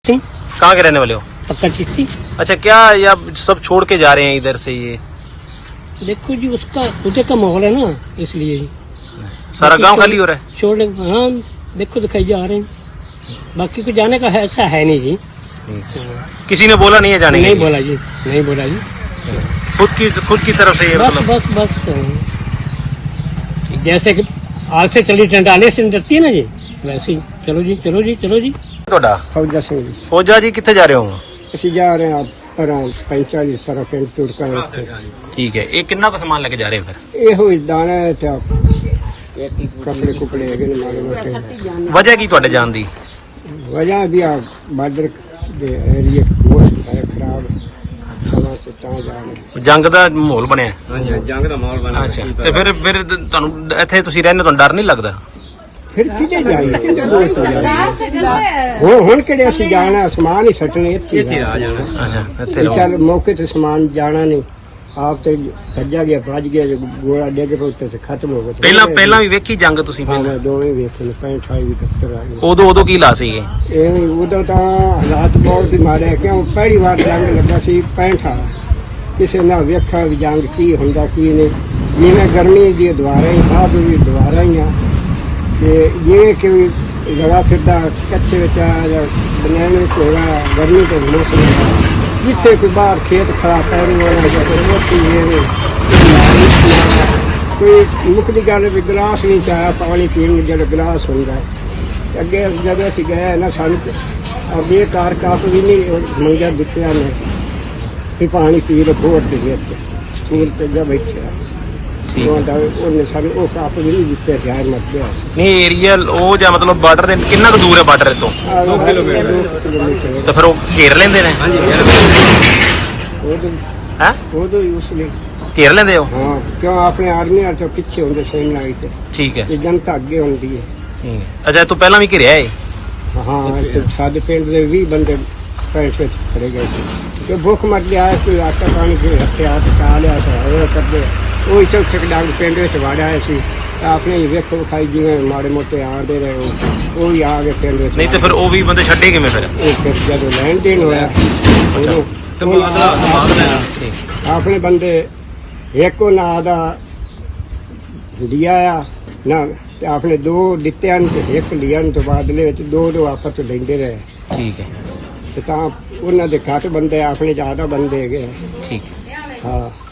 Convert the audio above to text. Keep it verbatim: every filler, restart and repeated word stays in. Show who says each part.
Speaker 1: कहाँ के रहने वाले हो?
Speaker 2: पक्का चिश्ती।
Speaker 1: अच्छा, क्या या सब छोड़ के जा रहे हैं इधर से? ये
Speaker 2: देखो जी, उसका उधर का माहौल है ना, इसलिए
Speaker 1: सारा गांव खाली हो रहा है।
Speaker 2: छोड़ने, हाँ देखो दिखाई जा रहे हैं, बाकी को जाने का है, ऐसा है नहीं जी।
Speaker 1: किसी ने बोला नहीं है जाने के
Speaker 2: नहीं
Speaker 1: लिए?
Speaker 2: बोला जी, नहीं बोला जी।
Speaker 1: खुद की खुद की तरफ से ये
Speaker 2: बस
Speaker 1: मतलब
Speaker 2: बस बस जैसे कि आग से चली टंडाने से डरती है ना जी, वैसे ही चलो जी चलो जी चलो जी।
Speaker 1: ਤੁਹਾਡਾ
Speaker 3: फौजा सिंह जी
Speaker 1: फौजा जी कितने जा रहे हो?
Speaker 3: ਅਸੀਂ ਜਾ ਰਹੇ ਹਾਂ ਪਰਾਂ पैंतालीस तरह पिंड तुरका
Speaker 1: ठीक है, ये कितना को सामान लेके जा रहे हैं फिर?
Speaker 3: ਇਹੋ ਹੀ ਦਾਣਾ ਤੇ ਕੱਪੜੇ ਕੁਪੜੇ ਹੈਗੇ ਨੇ ਮਾੜੇ ਮੋਟੇ।
Speaker 1: वजह की ਤੁਹਾਡੇ ਜਾਣ ਦੀ?
Speaker 3: ਵਜ੍ਹਾ ਵੀ ਆ ਬਾਰਡਰ ਦੇ ਏਰੀਏ ਮੌਸਮ ਹੈ ਖਰਾਬ, ਸਮਾਂ ਤੇ ਤਾਂ ਜਾ ਰਹੇ।
Speaker 1: ਜੰਗ ਦਾ ਮਾਹੌਲ ਬਣਿਆ।
Speaker 4: ਹਾਂਜੀ ਜੰਗ ਦਾ ਮਾਹੌਲ ਬਣਿਆ।
Speaker 1: ਅੱਛਾ, ਤੇ ਫਿਰ ਫਿਰ ਤੁਹਾਨੂੰ ਇੱਥੇ ਤੁਸੀਂ ਰਹਿੰਦੇ, ਤੁਹਾਨੂੰ ਡਰ ਨਹੀਂ ਲੱਗਦਾ?
Speaker 3: ਫਿਰ ਕਿਤੇ ਜਾਈਏ, ਕਿਤੇ ਦੋਸਤ ਜਾਈਏ। ਹੁਣ ਹੁਣ ਕਿਹੜੇ ਅਸੀਂ ਜਾਣਾ, ਸਮਾਨ ਹੀ ਸੱਟਣੇ ਇੱਥੇ
Speaker 4: ਇੱਥੇ ਆ ਜਾਣਾ।
Speaker 1: ਅੱਛਾ, ਇੱਥੇ
Speaker 3: ਵੀ
Speaker 1: ਰਹੋ।
Speaker 3: ਚੱਲ ਮੌਕੇ ਤੇ ਸਮਾਨ ਜਾਣਾ ਨਹੀਂ, ਆਪ ਤੇ ਭੱਜਾ ਗਿਆ ਭੱਜ ਗਿਆ, ਜੇ ਗੋਲਾ ਡਿੱਗ ਪਿਆ ਉੱਤੇ ਤੇ ਖਤਮ ਹੋ ਗਿਆ।
Speaker 1: ਪਹਿਲਾਂ ਪਹਿਲਾਂ ਵੀ ਵੇਖੀ ਜੰਗ ਤੁਸੀਂ?
Speaker 3: ਹਾਂ
Speaker 1: ਪਹਿਲਾਂ
Speaker 3: ਮੈਂ ਦੋਵੇਂ ਵੇਖੇ ਨੇ, ਪੈਂਹਠ ਅਠਾਈ ਵੀ ਇਕਹੱਤਰ ਆ ਗਏ।
Speaker 1: ਉਦੋਂ ਉਦੋਂ ਕੀ ਲਾ ਸੀ ਇਹ?
Speaker 3: ਇਹ ਉਦੋਂ ਤਾਂ ਹਾਲਾਤ ਬਹੁਤ ਹੀ ਮਾੜੇ, ਕਿਉਂ ਪਹਿਲੀ ਵਾਰ ਜੰਗ ਲੱਗਾ ਸੀ ਪੈਂਹਠ ਆ, ਕਿਸੇ ਨੇ ਵੇਖਿਆ ਵੀ ਜੰਗ ਕੀ ਹੁੰਦਾ ਕੀ ਨਹੀਂ। ਜਿਵੇਂ ਗਰਮੀ ਦੀ ਦੁਆਰਾ ਹੀ ਬਾਅਦ ਵੀ ਦੁਆਰਾ ਹੀ ਆ, ਕਿ ਜਿਵੇਂ ਕਿ ਲਗਾ ਫਿਰਦਾ ਕੱਚੇ ਵਿੱਚ ਆ ਜਾਂ ਬਨੈਣ ਵਿੱਚ ਹੋਗਾ, ਗਰਮੀ ਤੋਂ ਮੌਸਮ ਜਿੱਥੇ ਕੋਈ ਬਾਹਰ ਖੇਤ ਖਰਾਬ ਪੈ ਰਿਹਾ ਹੋਣਾ ਜਾਂ ਕੋਈ ਰੋਟੀ ਇਹ ਕੋਈ ਮੁੱਖ ਦੀ ਗੱਲ ਵੀ ਗਲਾਸ ਨਹੀਂ ਚਾਹਿਆ ਪਾਣੀ ਪੀਣ ਨੂੰ, ਜਿਹੜਾ ਗਲਾਸ ਹੁੰਦਾ ਹੈ। ਅੱਗੇ ਜਦੋਂ ਅਸੀਂ ਗਏ ਨਾ, ਸਾਨੂੰ ਬੇਕਾਰ ਕੱਪ ਵੀ ਨਹੀਂ ਮੰਗਿਆ ਦਿੱਤਿਆ ਨੇ ਵੀ ਪਾਣੀ ਪੀ ਲਓ ਬੋਟ ਦੇ ਵਿੱਚ, ਸਕੂਲ ਤੇ ਜਾ ਬੈਠਿਆ
Speaker 1: ਠੀਕ
Speaker 3: ਉਹਦਾ ਉਹਨੇ ਸਾਨੂੰ ਉਹ ਕੱਪ ਵੀ ਨਹੀਂ ਦਿੱਤੇ, ਜਾਇਰ ਮਤ ਗਿਆ।
Speaker 1: ਨਹੀਂ, ਏਰੀਆ ਉਹ ਜਾਂ ਮਤਲਬ ਬਾਰਡਰ ਦੇ ਕਿੰਨਾ ਕੁ ਦੂਰ ਹੈ ਬਾਰਡਰ ਤੋਂ?
Speaker 3: ਦੋ ਕਿਲੋਮੀਟਰ
Speaker 1: ਤਾਂ ਫਿਰ ਉਹ ਘੇਰ ਲੈਂਦੇ ਨੇ?
Speaker 4: ਹਾਂਜੀ
Speaker 3: ਉਦੋਂ
Speaker 1: ਹੈ
Speaker 3: ਉਦੋਂ ਹੀ ਉਸ ਲਈ
Speaker 1: ਘੇਰ ਲੈਂਦੇ ਹੋ?
Speaker 3: ਹਾਂ, ਕਿਉਂ ਆਪਣੇ ਆਰਮੀ ਵਾਲੇ ਤੋਂ ਪਿੱਛੇ ਹੁੰਦੇ ਸੈਨ ਲਾਈ ਤੇ
Speaker 1: ਠੀਕ ਹੈ।
Speaker 3: ਤੇ ਜਨਤਾ ਅੱਗੇ ਹੁੰਦੀ ਹੈ।
Speaker 1: ਠੀਕ ਹੈ। ਅੱਛਾ, ਤੂੰ ਪਹਿਲਾਂ ਵੀ ਘਿਰਿਆ ਏ?
Speaker 3: ਹਾਂ, ਤੇ ਸਾਡੇ ਪਿੰਡ ਦੇ ਵੀਹ ਬੰਦੇ ਪੈਂਟ ਵਿੱਚ ਖੜੇ ਗਏ ਸੀ ਕਿ ਭੁੱਖ ਮਰ ਗਿਆ, ਕੋਈ ਆਟਾ ਪਾਣੀ ਦੇ ਹੱਥਿਆ ਤੇ ਖਾ ਲਿਆ ਸੀ, ਉਹ ਕਰਦੇ ਉਹ ਚੌਥੇ ਡਾਂਗ ਪਿੰਡ ਵਿੱਚ ਵਾੜਿਆ ਆਏ ਸੀ। ਆਪਣੇ ਹੀ ਵੇਖੋ ਖਾਈ ਜਿਵੇਂ ਮਾੜੇ ਮੋਟੇ ਆਂਦੇ ਰਹੇ, ਉਹ ਵੀ ਆ ਗਏ ਪਿੰਡ ਵਿੱਚ।
Speaker 1: ਨਹੀਂ ਤੇ ਫਿਰ ਉਹ ਵੀ ਬੰਦੇ ਛੱਡੇ ਕਿਵੇਂ ਫਿਰ?
Speaker 3: ਉਹ ਫਿਰ ਜਦੋਂ ਲੈਣ ਦੇਣ ਹੋਇਆ ਉਦੋਂ
Speaker 4: ਤਬਾਦਲਾ ਤਬਾਦਲਾ
Speaker 3: ਆਪਣੇ ਬੰਦੇ ਇੱਕ ਨਾਂ ਦਾ ਲਿਆ ਆ ਨਾ, ਤੇ ਆਪਣੇ ਦੋ ਦਿੱਤਿਆਂ ਨੂੰ ਤੇ ਇੱਕ ਲਿਆ ਨੂੰ, ਤੋਂ ਬਾਦਲੇ ਵਿੱਚ ਦੋ ਦੋ ਆਪਸ ਵਿੱਚ ਲੈਂਦੇ ਰਹੇ।
Speaker 1: ਠੀਕ ਹੈ,
Speaker 3: ਤੇ ਤਾਂ ਉਹਨਾਂ ਦੇ ਘੱਟ ਬੰਦੇ, ਆਪਣੇ ਜ਼ਿਆਦਾ ਬੰਦੇ ਹੈਗੇ।
Speaker 1: ਠੀਕ ਹੈ।
Speaker 3: ਹਾਂ।